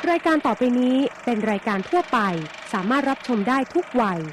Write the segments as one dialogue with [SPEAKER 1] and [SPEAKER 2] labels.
[SPEAKER 1] รายการต่อไปนี้เป็นรายการทั่วไปสามารถรับชมได้ทุกวัย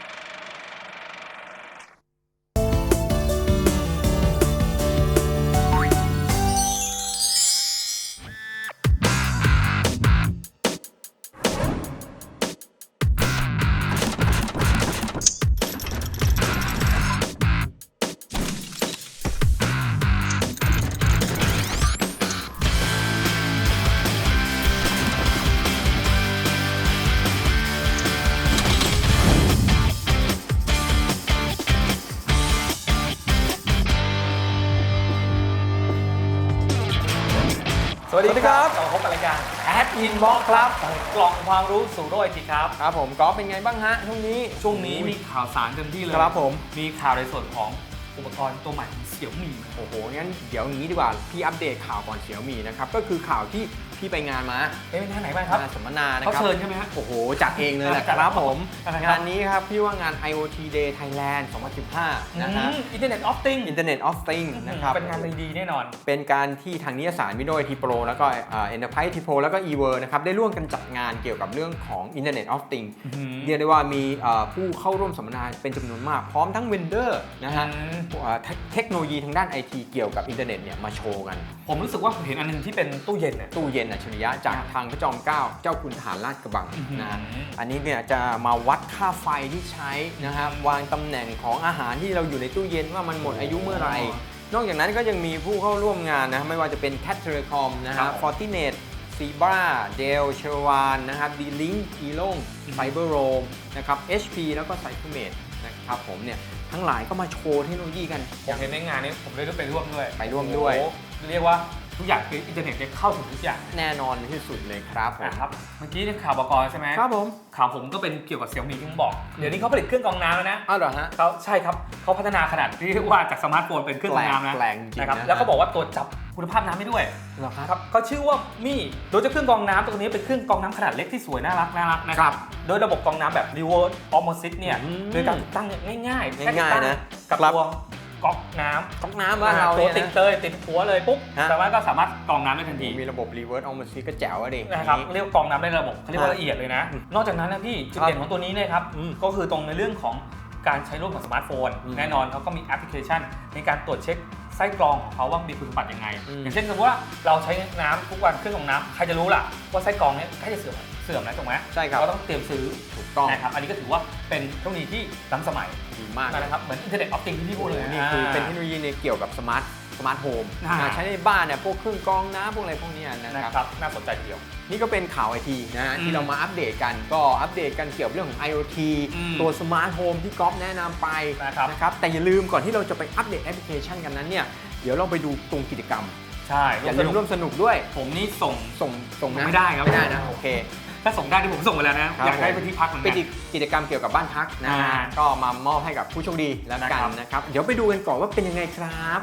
[SPEAKER 2] สวัสดีครับเราพบกับรายการ Ad Inbox ครับกล่องความรู้สู่โลกไอทีครับ
[SPEAKER 3] ครับผมก๊อฟเป็นไงบ้างฮะช่วงนี้
[SPEAKER 2] มีข่าวสารเต็มที่เลย
[SPEAKER 3] ครับผม
[SPEAKER 2] มีข่าวในส่วนของอุปกรณ์ตัวใหม่ของเสี่ยวมี่
[SPEAKER 3] โอ้โหงั้นเดี๋ยวงี้ดีกว่าพี่อัปเดตข่าวก่อนเสี่ยวมี่นะครับก็คือข่าวที่พี่ไปงานมา
[SPEAKER 2] เป็นงานไหนบ้างครับ
[SPEAKER 3] สัมมนานะครับ
[SPEAKER 2] เขาเชิญใช่ไหมฮะ
[SPEAKER 3] โอ้โหจัดเองเลยแหละครับผมงานนี้ครับพี่ว่างาน IoT Day Thailand 2015นะฮะ
[SPEAKER 2] Internet of
[SPEAKER 3] Things นะครับ
[SPEAKER 2] เป็นงานดีแน่นอน
[SPEAKER 3] เป็นการที่ทางนิตยสาร Windows IT Pro แล้วก็ Enterprise IT Pro แล้วก็ eWorld นะครับได้ร่วมกันจัดงานเกี่ยวกับเรื่องของ Internet of Things เรียกได้ว่ามีผู้เข้าร่วมสัมมนาเป็นจำนวนมากพร้อมทั้ง Vendor นะฮะเทคโนโลยีทางด้าน IT เกี่ยวกับอินเทอร์เน็ตเนี่ยมาโชว์กัน
[SPEAKER 2] ผมรู้สึกว่าเห็นอันนึงที่เป็นตู้เย็น
[SPEAKER 3] อัจฉริยะจากทางพระจอมเกล้าเจ้าคุณทหารราชกระบังนะอันนี้เนี่ยจะมาวัดค่าไฟที่ใช้นะฮะวางตำแหน่งของอาหารที่เราอยู่ในตู้เย็นว่ามันหมดอายุเมื่อไหร่นอกจากนั้นก็ยังมีผู้เข้าร่วมงานนะไม่ว่าจะเป็น Cat Telecom นะฮะ Fortinet Zebra Dell Cherwan นะครับ D-Link Elong Cyberroam นะครับ HP แล้วก็ Cybermate นะครับผมเนี่ยทั้งหลายก็มาโชว์เทคโนโลยีกัน
[SPEAKER 2] อย่างในงานนี้ผมได้ไปร่วมด้วยเรียกว่าทุกอย่างคืออินเทอร์เน็ตได้เข้าถึงทุกอย่าง
[SPEAKER 3] แน่นอนที่สุดเลยครับ
[SPEAKER 2] นะครับเมื่อกี้ข่าวบก.ใช่ไหม
[SPEAKER 3] ครับผม
[SPEAKER 2] ข่าวผมก็เป็นเกี่ยวกับเสี่ยวมี่ที่ผมบอกเดี๋ยวนี้เขาผลิตเครื่องกรองน้ำแล้วนะ
[SPEAKER 3] อ้าวเหรอฮะ
[SPEAKER 2] เขาใช่ครับเขาพัฒนาขนาดที่เรียกว่าจากสมาร์ทโฟนเป็นเครื่องกรองน้ำนะครับแล้วก็บอกว่าตัวจับคุณภาพน้ำได้ด้วย
[SPEAKER 3] ครับ
[SPEAKER 2] เขาชื่อว่ามี่โดยจะเครื่องกรองน้ำตัวนี้เป็นเครื่องกรองน้ำขนาดเล็กที่สวยน่ารักนะครับโดยระบบกรองน้ำแบบ reverse osmosis เนี่ยโดยการตั้งง่าย
[SPEAKER 3] นะ
[SPEAKER 2] กับตัวก๊อกน้
[SPEAKER 3] ำว่าเรา
[SPEAKER 2] ตัวติดหัวเลยปุ๊บแต่ว่าก็สามารถกรองน้ำได้ทันที
[SPEAKER 3] มีระบบ reverse osmosis ก็แจ๋วดิ
[SPEAKER 2] นะครับเรียกกรองน้ำได้ระบบเขาเรียกว่าละเอียดเลยนะนอกจากนั้นนะพี่จุดเด่นของตัวนี้เนี่ยครับก็คือตรงในเรื่องของการใช้ร่วมกับสมาร์ทโฟนแน่นอนเขาก็มีแอปพลิเคชันในการตรวจเช็คไส้กรองของเขาว่ามีคุณสมบัติยังไงอย่างเช่นสมมติว่าเราใช้น้ำทุกวันเครื่องกรองน้ำใครจะรู้ล่ะว่าไส้กรองนี้ใกล้จะเสื่อมแล้วถูกไหม
[SPEAKER 3] ใช่ครับ
[SPEAKER 2] เราต้องเตรียมซื้อ
[SPEAKER 3] ถูกต้อง
[SPEAKER 2] นะครับอันนี้ก็ถือว่าเป็นเทคโนโลยีที่ล้ำสมัย
[SPEAKER 3] ดีมาก
[SPEAKER 2] นะครับเหมือน Internet of Things ที่พี่พูดเลย
[SPEAKER 3] นี่คือเป็นเทคโนโลยีในเกี่ยวกับสมาร์ทโฮมใช้ในบ้านเนี่ยพวกเครื่องกรองน้ำพวกอะไรพวกนี้นะครับ
[SPEAKER 2] น่าสนใจทีเดียว
[SPEAKER 3] นี่ก็เป็นข่าวไอทีนะฮะที่เรามาอัปเดตกันเกี่ยวกับเรื่องของ IoT ตัวสมาร์ทโฮมที่ก๊อฟแนะนำไปนะครับแต่อย่าลืมก่อนที่เราจะไปอัปเดตแอปพลิเคชันกันนั้นเนี่ยเดี๋ยวเราไปดูตรงกิจกรรม
[SPEAKER 2] ใช่
[SPEAKER 3] อย่าลืมร่วมสนุกด้วย
[SPEAKER 2] ผมนี่ส่ง
[SPEAKER 3] นะ
[SPEAKER 2] ไม่ได้ครับ
[SPEAKER 3] ไม่ได้นะโอเค
[SPEAKER 2] ถ้าส่งได้ที่ผมส่งไปแล้วนะอยากได้ไปที่พักเหมือนกัน
[SPEAKER 3] เป็นกิจกรรมเกี่ยวกับบ้านพักนะก็มามอบให้กับผู้โชคดีแล้วกันนะครับเดี๋ยวไปดูกันก่อนว่าเป็นยังไงครับ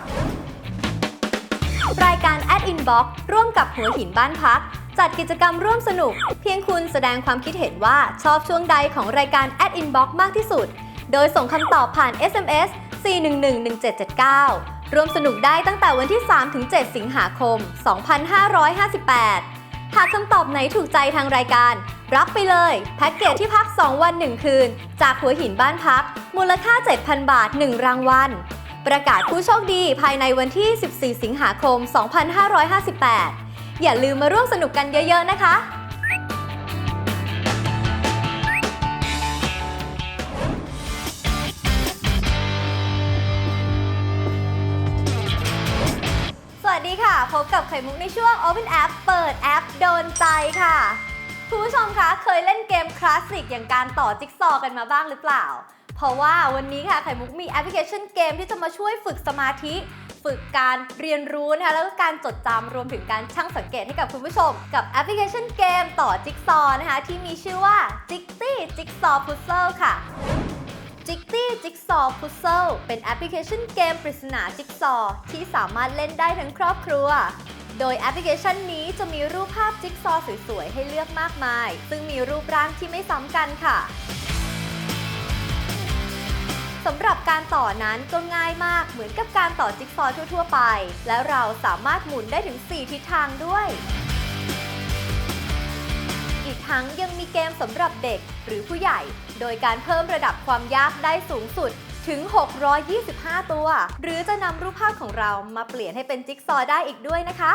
[SPEAKER 4] รายการ Ad Inbox ร่วมกับหัวหินบ้านพักจัดกิจกรรมร่วมสนุกเพียงคุณแสดงความคิดเห็นว่าชอบช่วงใดของรายการ Ad Inbox มากที่สุดโดยส่งคำตอบผ่าน SMS 4111779ร่วมสนุกได้ตั้งแต่วันที่ 3-7 สิงหาคม 2558หากคำตอบไหนถูกใจทางรายการรับไปเลยแพ็กเกจที่พัก 2 วัน 1 คืนจากหัวหินบ้านพักมูลค่า 7,000 บาท 1 รางวัลประกาศผู้โชคดีภายในวันที่ 14 สิงหาคม 2558 อย่าลืมมาร่วมสนุกกันเยอะๆนะคะสวัสดีค่ะพบกับไข่มุกในช่วง Open App เปิดแอปโดนใจค่ะคุณผู้ชมคะเคยเล่นเกมคลาสสิกอย่างการต่อจิ๊กซอว์กันมาบ้างหรือเปล่าเพราะว่าวันนี้ค่ะไข่มุกมีแอปพลิเคชันเกมที่จะมาช่วยฝึกสมาธิฝึกการเรียนรู้นะคะแล้วก็การจดจำรวมถึงการชั่งสังเกตให้กับคุณผู้ชมกับแอปพลิเคชันเกมต่อจิ๊กซอว์นะคะที่มีชื่อว่า Jikty Jigsaw Puzzle ค่ะ Jikty Jigsaw Puzzle เป็นแอปพลิเคชันเกมปริศนาจิ๊กซอว์ที่สามารถเล่นได้ทั้งครอบครัวโดยแอปพลิเคชันนี้จะมีรูปภาพจิ๊กซอว์สวยๆให้เลือกมากมายซึ่งมีรูปร่างที่ไม่ซ้ำกันค่ะสำหรับการต่อนั้นก็ง่ายมากเหมือนกับการต่อจิ๊กซอว์ทั่วๆไปและเราสามารถหมุนได้ถึง4ทิศทางด้วยทั้งยังมีเกมสำหรับเด็กหรือผู้ใหญ่ โดยการเพิ่มระดับความยากได้สูงสุดถึง 625 ตัว หรือจะนำรูปภาพของเรามาเปลี่ยนให้เป็นจิ๊กซอว์ได้อีกด้วยนะคะ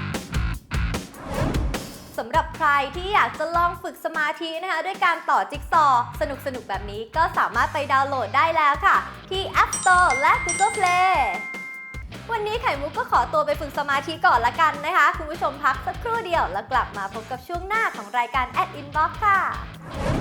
[SPEAKER 4] สำหรับใครที่อยากจะลองฝึกสมาธินะคะด้วยการต่อจิ๊กซอว์สนุกๆแบบนี้ก็สามารถไปดาวน์โหลดได้แล้วค่ะที่ App Store และ Google Play วันนี้ไข่มุกก็ขอตัวไปฝึกสมาธิก่อนละกันนะคะคุณผู้ชมพักสักครู่เดียวแล้วกลับมาพบกับช่วงหน้าของรายการ Inbox ค่ะ